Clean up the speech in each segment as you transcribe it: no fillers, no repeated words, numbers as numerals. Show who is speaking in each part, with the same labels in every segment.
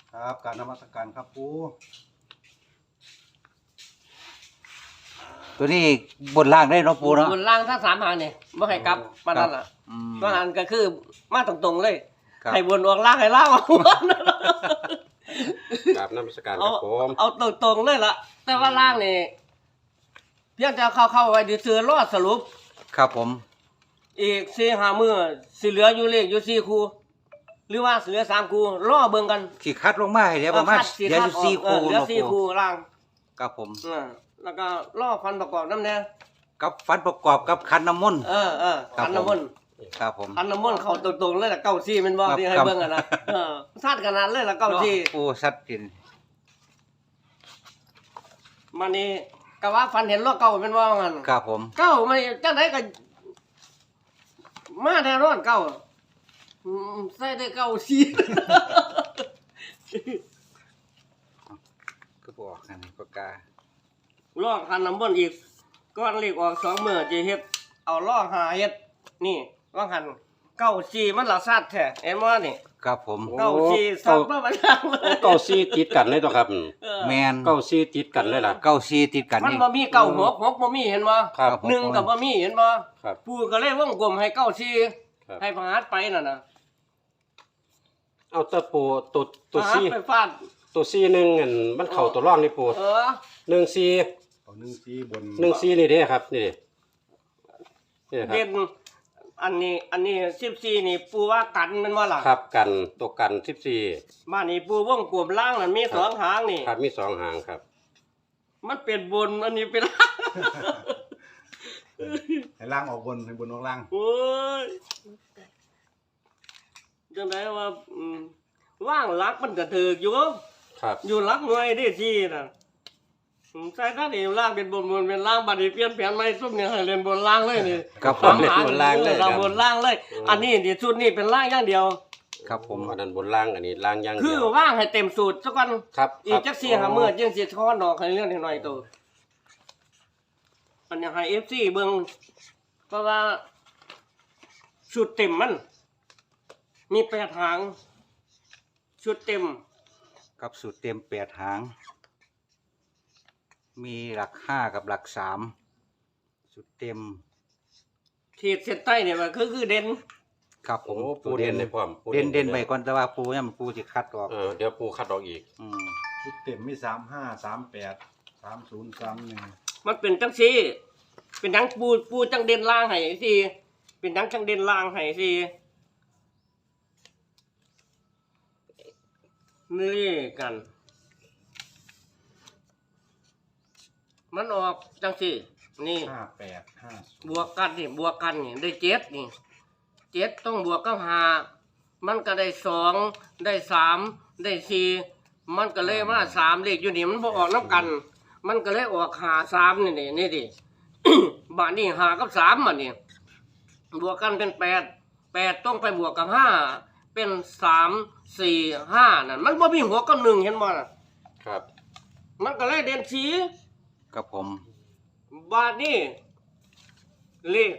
Speaker 1: ครับการนมัสการครับปูตัวนี้บนล่างได้เนาะปูเนาะ
Speaker 2: บนล่างทั้ง3 หางนี่บ่ให้กลับปานนั้นล่ะว่าหันก็คือมาตรงๆเลยให้บนออกล่างให้ล่างออกบน
Speaker 3: กราบนมัสการครับผม
Speaker 2: เอาตรงๆเลยล่ะแต่ว่าล่างนี่เพียงจะเข้าไว้ซื่อๆรอสรุป
Speaker 1: ครับผม
Speaker 2: อีก4-5 มื้อสิเหลืออยู่เลขอยู่4คู่หรือว่าเหลือ3คู่รอเบิ่งกัน
Speaker 1: สิคัดลงมาให้เดี๋ยวประมาณเดี๋ยวอยู่4คู่
Speaker 2: เหลือ
Speaker 1: เนาะ
Speaker 2: 4
Speaker 1: ปู
Speaker 2: คู่ล่าง
Speaker 1: ครับผม
Speaker 2: แล้วก็รอฟันประกอบนำแน่
Speaker 1: กับฟันประกอบกับคันน้ำมนต์
Speaker 2: ขันน้ำมนต์
Speaker 1: ครับผม
Speaker 2: ขันน้ำมนต์เข้าตรงๆเลยล่ะ94แม่นบ่ที่ให้เบิ่งกันนะซัดขนาดเลยล่ะ94
Speaker 1: ปูสัตว์กิน
Speaker 2: มันนี่ก็ว่าฟันเห็นล้อเก่าเป็นว่างั้น
Speaker 1: ครับผม
Speaker 2: เก่ามันจังไดก็มาแท้นอนเก่าใส่ได้เก่าสิ
Speaker 1: ก็บอกอันนี้ปากกา
Speaker 2: ล้อคันน้ำมนต์อีกก้อนเลขออก2 มื้อจะเฮ็ดเอาล้อหาเฮ็ดนี่ว่าหันเก่าสิมันละซัดแท้เห็นบ่นี่
Speaker 1: ครับผม
Speaker 2: เก่าสิซัดมาบัดนั้นเลย
Speaker 3: เก้าซี่ติดกันเลยตัวครับ
Speaker 1: แมน
Speaker 3: เก้าซี่ติดกันเลยล่ะ
Speaker 1: เก้าซีติดกัน
Speaker 2: มัน
Speaker 1: นี่
Speaker 2: บ่มีเก่าหกบ่มีเห็นบ่
Speaker 3: ครับ
Speaker 2: หนึ่งก็บ่มีเห็นบ่
Speaker 3: ครับ
Speaker 2: ปู่ก็เลยวงกลมให้เก่าสิ
Speaker 3: ครับ
Speaker 2: ให้พหารไปนั่นน่ะ
Speaker 3: เอาแตะปูตัว
Speaker 2: พหาร
Speaker 3: ซี่
Speaker 2: ไปฟาด
Speaker 3: ตัวซี่หนึ่งอันมันเข่าตัวร่องนี่ปูหนึ่งซี่
Speaker 1: เอา1ซีบน
Speaker 3: หนึ่งซี่นี่เด้ครับนี่นี่ครั
Speaker 2: เด่
Speaker 3: บ
Speaker 2: นอันนี้14นี่ปูว่ากันแมันบ่ล่ะ
Speaker 3: ครับกันตัวกัน14
Speaker 2: บ้านนี้ปูวงกลมล่างนั่นมี2 หางนี่
Speaker 3: ครับมี2 หางครับ
Speaker 2: มันเป็นบนอันนี้เป็นล่าง
Speaker 1: ให้ล่างออกบนให้บนออกล่าง
Speaker 2: โอ้ยจังไดว่าว่างหลักมันก็ถูกอยู่
Speaker 3: ครับ
Speaker 2: อยู่หลักหน่วยได้ที่น่ะใส่ท่านนี่ล่างเป็นบนเป็นล่างบัดนี้เปลี่ยนแผนใหม่ซุ่มนี่ให้เล่นบนล่างเลยนี่
Speaker 1: ครับผ
Speaker 3: ผม
Speaker 1: ม
Speaker 3: เล่นบนล่างเลย
Speaker 2: เรา
Speaker 3: ครับ
Speaker 2: บนล่างเลย อันนี้ดิชุดนี้เป็นล่างอย่างเดียว
Speaker 1: ครับผม
Speaker 3: อันนั้นบนล่างอันนี้ล่างอย่าง
Speaker 2: คื
Speaker 3: เดี
Speaker 2: อ
Speaker 3: ยว
Speaker 2: ว่างให้เต็มสูตรสักวัน
Speaker 3: ครับ
Speaker 2: อีกจัก4-5มื้อจึงสิทอนดอกให้เรื่องหน่อยๆตัวอันนี้ให้ FC เบิ่งเพราะว่าชุดเต็มมันมี8 หางชุดเต็ม
Speaker 1: กับสูตรเต็ม8 หาง มีหลัก5กับหลัก3สูตรเต็ม
Speaker 2: ขีดเส้นใต้เนี่ยมันคือเด่น
Speaker 1: ครับผ
Speaker 3: โอ้
Speaker 1: ม
Speaker 3: ปูเด่นในพร้อมปู
Speaker 1: เด่นไปก่อนแต่ว่าปูเนี่ยมันปูสิคัดออก
Speaker 3: เดี๋ยวปูคัดออกอีก
Speaker 4: ชุดเต็มมี35 38 30 31
Speaker 2: มันเป็นจังซี่เป็นจังปูจังเด่นล่างให้สิเป็นจังเด่นล่างให้สินี่กัน มันออกจังซี่นี่
Speaker 4: 58 50
Speaker 2: บวกกันนี่บวกกันนี่ได้7นี่7ต้องบวกกับ5มันก็ได้2ได้3ได้4มันก็เลยมา3เลขอยู่นี่มันบ่ออกนํกัน มันก็เลยออก5 3นี่ดิ บาทนี่5กับ3มันนี่บวกกันเป็น8ต้องไปบวกกับ5เป็น3 4 5นั่นมันบ่มีหัวกับ1เห็นบ่น่ะ
Speaker 3: ครับ
Speaker 2: มันก็เลยเด่น4
Speaker 1: กับผม
Speaker 2: บาทนี่เลข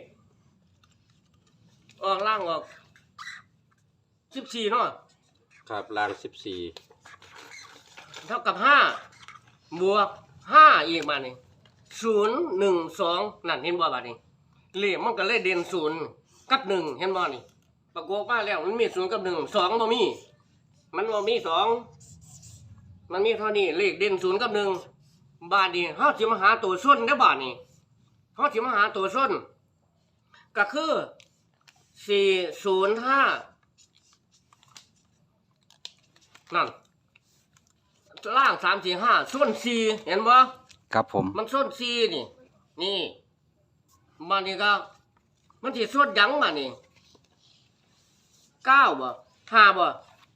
Speaker 2: ออกล่างออก14เนาะ
Speaker 3: ครับล่าง
Speaker 2: เท่ากับ5บวก5อีกมานี่0 1 2นั่นเห็นบ่บาดนี้เลขมันก็เลยเด่น0กับ1เห็นบ่นี่ประกอบมาแล้วมันมี0กับ1 2บ่มีมันบ่มี2มันมีเท่านี้เลขเด่น0กับ1บาดนี้เฮาสิมาหาตัวส้นได้อบาดนี้เฮาสิมาหาตัวส้นก็คือ405นั่นล่าง345ส้น4เห็นบ่
Speaker 1: ครับผม
Speaker 2: มันส้น4นี่นี่มานี่ก็มันสิส้นหยังมานี่9บ่5บ่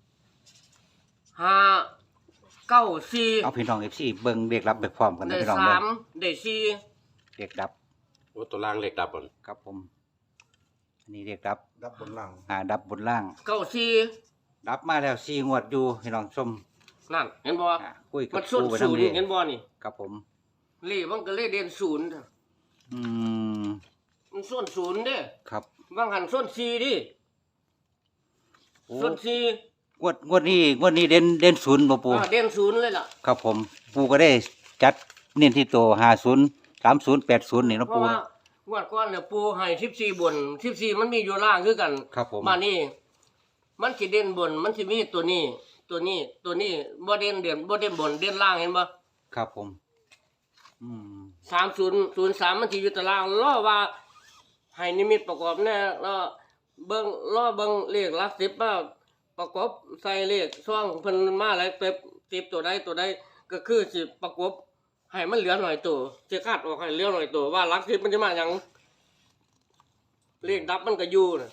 Speaker 2: 5 9 4
Speaker 1: เอาพี่น้อง FC เบิ่งเด็กรับไปพร้อมกันนะ
Speaker 2: ได้
Speaker 1: พี่น้องเด้อ
Speaker 2: 3ได้4
Speaker 1: เด็กดับ
Speaker 3: โอ้ตัวล่างเหล็กดับบ่น
Speaker 1: ครับผมอันนี้เด็กดับ
Speaker 4: ดับบนหลัง
Speaker 1: ดับบนล่าง
Speaker 2: 9 4
Speaker 1: ดับมาแล้ว4 งวดอยู่พี่น้องชม
Speaker 2: นั่นเห็นบ่
Speaker 1: คุยกับ
Speaker 2: มันส้น
Speaker 1: ปูไป
Speaker 2: ศู
Speaker 1: นำ
Speaker 2: น
Speaker 1: นี้
Speaker 2: ย์เห็นบ่นี่
Speaker 1: ครับผม
Speaker 2: เลขมันก็เลยเด่น0
Speaker 1: อืม
Speaker 2: มันส้น0เด้
Speaker 1: ครับ
Speaker 2: บางหันส้น4ดิ
Speaker 1: โอ้
Speaker 2: ส้น4
Speaker 1: งวดนี้เด่นศูนย์บ่ปู
Speaker 2: เด่นศูนย์เลยล่ะ
Speaker 1: ครับผมปูก็ได้จัดเน้นที่ตัว50 30 80นี่เนาะ
Speaker 2: เพ
Speaker 1: ปู
Speaker 2: ราะว่างวดก่อนเนี่ยปูให้14บน14มันมีอยู่ล่างคือกัน
Speaker 1: ครับผม
Speaker 2: มานี่มันสิเด่นบนมันสิมีตัวนี้บ่เด่นบ่เด่นบนเด่นล่างเห็นบ่
Speaker 1: ครับผมอืม
Speaker 2: 3003มันสิอยู่ตารางรอว่าให้นิมิตประกอบแน่แล้วเบิ่งเลขหลัก10มาประกอบใส่เลขช่องเพิ่นมาแล้วเต็ม10ตัวใดก็คือสิประกอบให้มันเหลือหน่อยตัวสิคาดออกให้เหลือหน่อยตัวว่าหลัก10มันจะมาหยังเลขดับมันก็อยู่น่ะ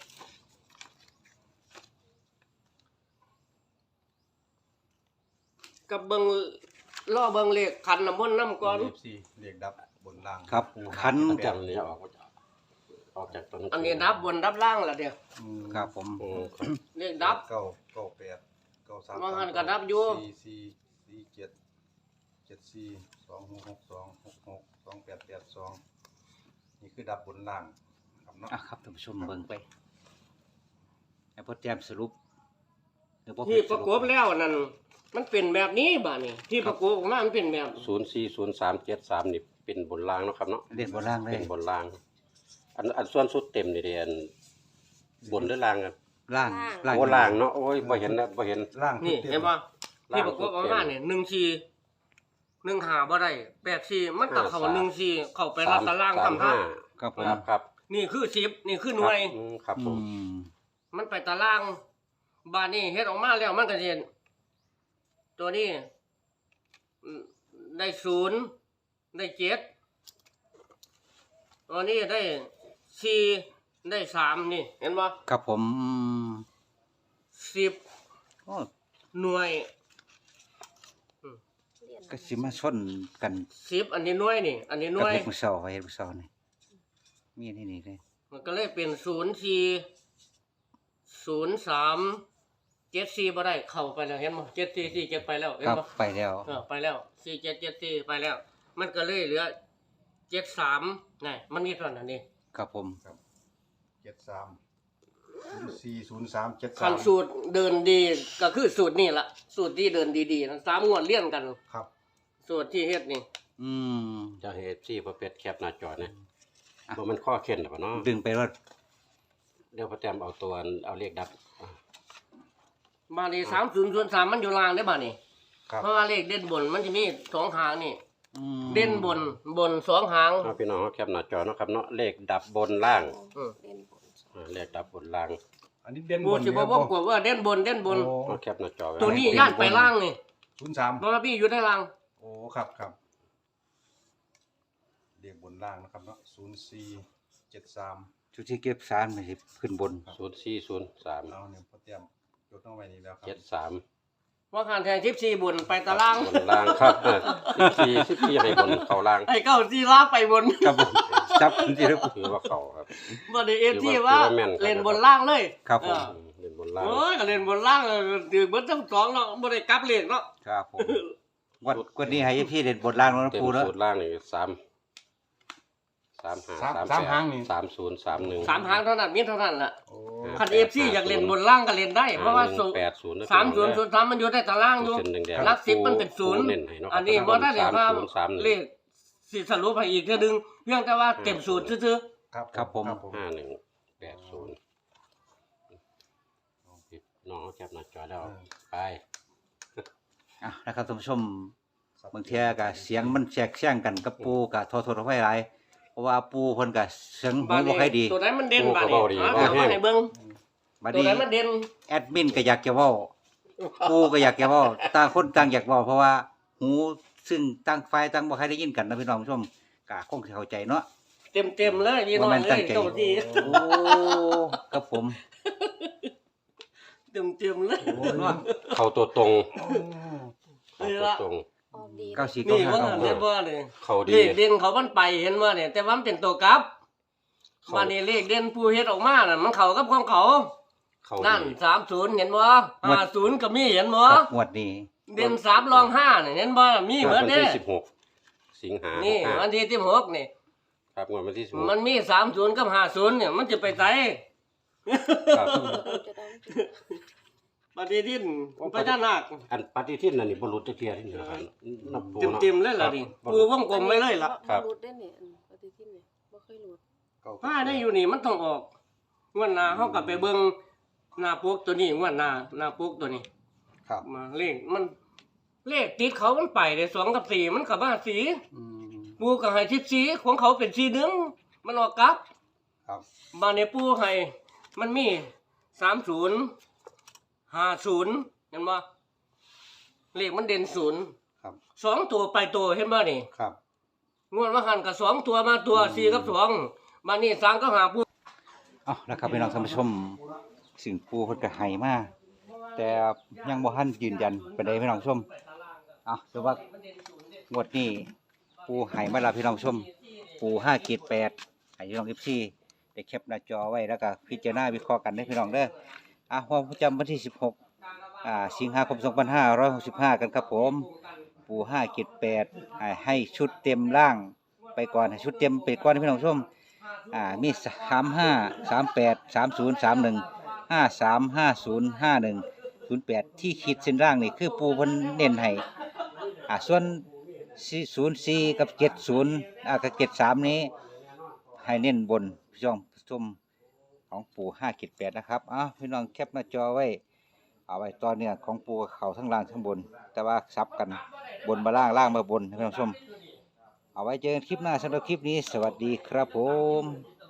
Speaker 2: กับเบิ่งรอเบิ่งเลขขันน้ำมนต์นำก่อน
Speaker 4: สี่เรียกดับบนล่าง
Speaker 1: ครับขัน
Speaker 3: จำนี้ออกจากตรงนั้น
Speaker 2: อันนี้ดับบนดับล่างล่ะเด้อ
Speaker 4: อืม
Speaker 1: ครับผม
Speaker 3: โอ้ครับ
Speaker 2: เลขดับ
Speaker 4: เก้าเก้าแปดเก้าสาม
Speaker 2: ว่างั้นก็ดับอยู่
Speaker 4: สี่เจ็ดเจ็ดสี่2662 2882นี่คือดับบนล่างครับเนาะ
Speaker 1: อ่ะครับท่านผู้ชมเบิ่งไปไอ้พ่อแจมสรุปเดี๋ยวพ่อ
Speaker 2: ที่ประกบแล้วนั่นมันเป็นแบบนี้บ้านี่ที่ประกบออกมามันเป็นแบบ
Speaker 3: 040373นี่เป็นบนรางเนาะครับเนาะ
Speaker 1: เรียนบนล่างเลย
Speaker 3: เป็นบนราง อันส่วนสุดเต็มนี่เรียนบนหรือรางกัน
Speaker 1: ล่าง
Speaker 3: โอ้รางเนาะโอ้ยบ่เห็นนะบ่เห็น
Speaker 4: ล่าง
Speaker 2: นี่
Speaker 4: ต็ม
Speaker 2: เห็นป่ะที่ประกบออกมาเนี่ย1 หาบ่ได้8 4มันก็เข้า1 4เข้าไปรัดตารางทำท่า
Speaker 1: ครับผม
Speaker 3: ครับ
Speaker 2: นี่คือ10นี่คือหน่วย
Speaker 3: ครับผ
Speaker 1: อื
Speaker 3: ม
Speaker 1: ม
Speaker 2: มันไปตารางบ้านนี้เฮ็ดออกมาแล้วมันก็สิเห็นตัวนี้ได้0ได้7ตัวนี้ได้4ได้3นี่เห็นบ่
Speaker 1: ครับผม
Speaker 2: 10
Speaker 1: โอ้
Speaker 2: หน่วย
Speaker 1: ก็สิมาชนกัน
Speaker 2: 10อันนี้หน่วยนี่ อันนี้ห
Speaker 1: กั
Speaker 2: น่
Speaker 1: บ
Speaker 2: วย
Speaker 1: เฮ็ดมื้อเช้าเฮ็ดมื้อเช้านี่มีที่นี่เลย
Speaker 2: มันก็เลยเป็น040374บ่ได้เข้าไปแล้วเห็นบ่7447ไปแล้วเห็น
Speaker 1: ครับ
Speaker 2: บ่
Speaker 1: ไปแล้ว
Speaker 2: ไปแล้ว4774ไปแล้ว มันก็เลยเหลือ73นี่มันมีเท่านั้นนี่
Speaker 1: ครับผม
Speaker 4: 73 040373
Speaker 2: คันสูตรเดินดีก็คือสูตรนี่ล่ะสูตรที่เดินดีๆนะ3งวดเลี่ยนกัน
Speaker 4: ครับ
Speaker 2: สูตรที่เฮ็ดนี่
Speaker 1: อืม
Speaker 3: จะเฮ็ดซี่ประเภทแคปหน้าจอนะบ่มันข้อเข็นหรอเนาะ
Speaker 1: ดึงไปรถ
Speaker 3: เดี๋ยวพ่อแต้มเอาตัวเอาเลขดับ
Speaker 2: บ้านนี้3003มันอยู่ล่างได้บ้านนี้
Speaker 4: ครับ
Speaker 2: เพราะว่าเลขเด่นบนมันจะมี2หางนี่
Speaker 1: อืม
Speaker 2: เด่นบน2หาง
Speaker 3: เอาพี่น้องเอาแคปหน้าจอเนาะครับเนาะเลขดับบนล่าง
Speaker 2: อืม
Speaker 3: เลขดับบนล่าง
Speaker 4: อันนี้เด่น
Speaker 2: กู
Speaker 4: บน
Speaker 2: สิบ่บอกกว่าเด่นบน
Speaker 4: โอ้
Speaker 3: เอาแคปหน้าจอไว้
Speaker 2: ตัวนี้ย่านไปล่างนี่
Speaker 4: 03
Speaker 2: เพราะว่าพี่อยู่ได้ล่าง
Speaker 4: โอ้ครับเรียกบนล่างนะครับเนาะ0473
Speaker 1: จุดที่เก็บสารมันสิขึ้นบน
Speaker 3: 0403
Speaker 4: เอาเนี่ยพอเตรียมยกน้องไว้นี่แล้วครับ
Speaker 3: 73
Speaker 2: ว่าคันแทน14บนไปตาราง
Speaker 3: บนล่างครับ14ให้บนเข้าล่าง
Speaker 2: ไอ้เก้าที่ล่างไปบน
Speaker 1: ครับผมจับที่แล้ว
Speaker 3: ถือว่าเข้าครับ
Speaker 2: บ่ได้เอฟที่ว่า
Speaker 3: ถือว่าแม่นครับ
Speaker 2: เล่นบนล่างเลย
Speaker 1: ครับผม
Speaker 3: เล่นบนล่าง
Speaker 2: โอ้ยก็เล่นบนล่างถือเบิดทั้งสองเนาะบ่ได้กลับเลขเนาะ
Speaker 1: ครับผมวันนี้ให้พี่เด่นบนล่างแล้วนะ
Speaker 3: เต็ม
Speaker 1: ปูเนาะ
Speaker 3: สูตรล่างนี่3031
Speaker 2: 3หางเท่านั้นมีเท่านั้นล่ะ
Speaker 4: โอ้
Speaker 2: คันเอฟซีอยากเล่นบนล่างก็เล่นได้ เพราะว่าสู
Speaker 3: 80
Speaker 2: 3003มันอยู่ในตารางอยู่
Speaker 3: เส้นแดงๆ
Speaker 2: หลัก10มันเป็นศูนย์
Speaker 3: เน้นให้เนาะ
Speaker 2: อันนี้บ่ได้เรียกว่า
Speaker 3: 3031
Speaker 2: เลขสิสรุปให้อีกเทื่อนึงเพียงแต่ว่าเต็มสูตรซื่อ
Speaker 1: ครับผม
Speaker 3: 5180น้องแคปหน้าจอแล้วไป
Speaker 1: อ่ะนะครับท่านผู้ชมบางเทียก็เสียงมันแทรกแซงกันกับปูก็โทษๆเอาไว้หลายเพราะว่าปูเพิ่นก็เสียง
Speaker 2: ๆ
Speaker 1: หูบ่ค่อยดี
Speaker 2: ตัวไหนมันเด่นบาด
Speaker 3: โอ้
Speaker 2: นี้
Speaker 3: ก็เว้าดี
Speaker 2: หามาให้เบิ่ง
Speaker 1: บัด
Speaker 2: ตัว
Speaker 1: นี้
Speaker 2: ไหนมันเด่น
Speaker 1: แอดมินก็อยากจะเว้าปูก็อยากจะเว้าต่างคนต่างอยากเว้าเพราะว่าหูซึ่งต่างฝ่ายต่างบ่ค่อยได้ยินกันนะพี่น้องผู้ชมก็คงสิเข้าใจเนาะ
Speaker 2: เต็มเลยพี่น้อง
Speaker 1: บ่แม่น
Speaker 2: เล
Speaker 1: ตั้ง
Speaker 2: ย
Speaker 1: ใจ
Speaker 2: เจ้าที่
Speaker 1: โอ้ครับผม
Speaker 2: เต็มเลย
Speaker 1: เนาะ
Speaker 3: เข้าตัวตรง
Speaker 2: นี่
Speaker 3: เข้าตัว
Speaker 2: ละ
Speaker 3: ตรง
Speaker 5: ออกดี
Speaker 1: 94
Speaker 2: นี่ว่า
Speaker 1: 95
Speaker 2: เห็นบ่นี่
Speaker 3: เข้า
Speaker 2: เล
Speaker 3: ดี
Speaker 2: ขเด่นเขามันไปเห็นบ่เนี่ยแต่ว่ามันเป็นตัวกลับบ้านนี้เลขเด่นผู้เฮ็ดออกมาน่ะมันเข้ากับของเขา
Speaker 3: เข้า
Speaker 2: นั่น
Speaker 3: ดี
Speaker 2: 30เห็นบ่50ก็มีเห็นบ่
Speaker 1: ครับงวดนี้
Speaker 2: เด่น3รอง5นี่เห็นบ่มีเหมือน
Speaker 3: วัน
Speaker 2: เด้
Speaker 3: ที่16สิงหา
Speaker 2: นี่
Speaker 3: 65
Speaker 2: วันที่16นี่
Speaker 3: ครับงวดวันที่
Speaker 2: มันมี30กับ50เนี่ยมันจะไปไส
Speaker 3: 16ครับ
Speaker 2: ปฏิทินพญานาค
Speaker 3: อันปฏิทินนั่นนี่บ่หลุดจักเที่ยนี่นะครับนับปูนาะ
Speaker 2: เต็มๆเลยล่ะนี่
Speaker 3: ครับ
Speaker 2: ปูวงกลมไว้เลยล่ะ
Speaker 3: ครับ
Speaker 5: รูดได้เนี่ยปฏิทินเนี่ยบ่เคยรูด
Speaker 4: เก้า
Speaker 2: ผ้าได้อยู่นี่มันต้องออกงวดหน้าเฮาก็ไปเบิ่งหน้าปกตัวนี้งวดหน้าปกตัวนี้
Speaker 4: ครับ
Speaker 2: มาเลขมันเลขติดเขามันไปได้2กับ4มันก็มาสี
Speaker 4: อืม
Speaker 2: ปูก็ให้ทิศสีของเขาเป็นสี1มันออกกลับ
Speaker 4: ครับ
Speaker 2: มาในปูให้มันมี30 50เห็นบ่เลขมันเด่น0
Speaker 4: ครับ
Speaker 2: 2ตัวไปตัวเห็นบ่นี่
Speaker 4: ครับ
Speaker 2: งวดว่าหันก็2ตัวมาตัว4กับ2มานี่3ก็หาปู
Speaker 1: เอานะครับพี่น้องท่านผู้ชมสิ่งปูเพิ่นก็ให้มาแต่ยังบ่ทันยืนยันปานใดพี่น้องผู้ชมเอาแต่ว่างวดนี้ปูให้มาแล้วพี่น้องผู้ชมปู5.8ให้พี่น้อง FC ได้แคปหน้าจอไว้แล้วก็พิจารณาวิเคราะห์กันเด้อพี่น้องเด้อความประจำวันที่16สิงหาคม2565กันครับผมปู5.8ให้ชุดเต็มร่างไปก่อนให้ชุดเต็มไปก่อนพี่น้องผู้ชมมี35 38 30 31 53 50 51 08ที่ขีดเส้นล่างนี่คือปูเพิ่นเน้นให้ส่วน04กับ70กับ73นี้ให้เน้นบนพี่น้องผู้ชมของปู5.8นะครับพี่น้องแคปหน้าจอไว้เอาไว้ตอนเนี้ยของปูเขาทั้งล่างทั้งบน แต่ว่าซับกันบนมาล่างล่างมาบนพี่น้องผู้ชมเอาไว้เจอกันคลิปหน้าสำหรับคลิปนี้สวัสดีครับผม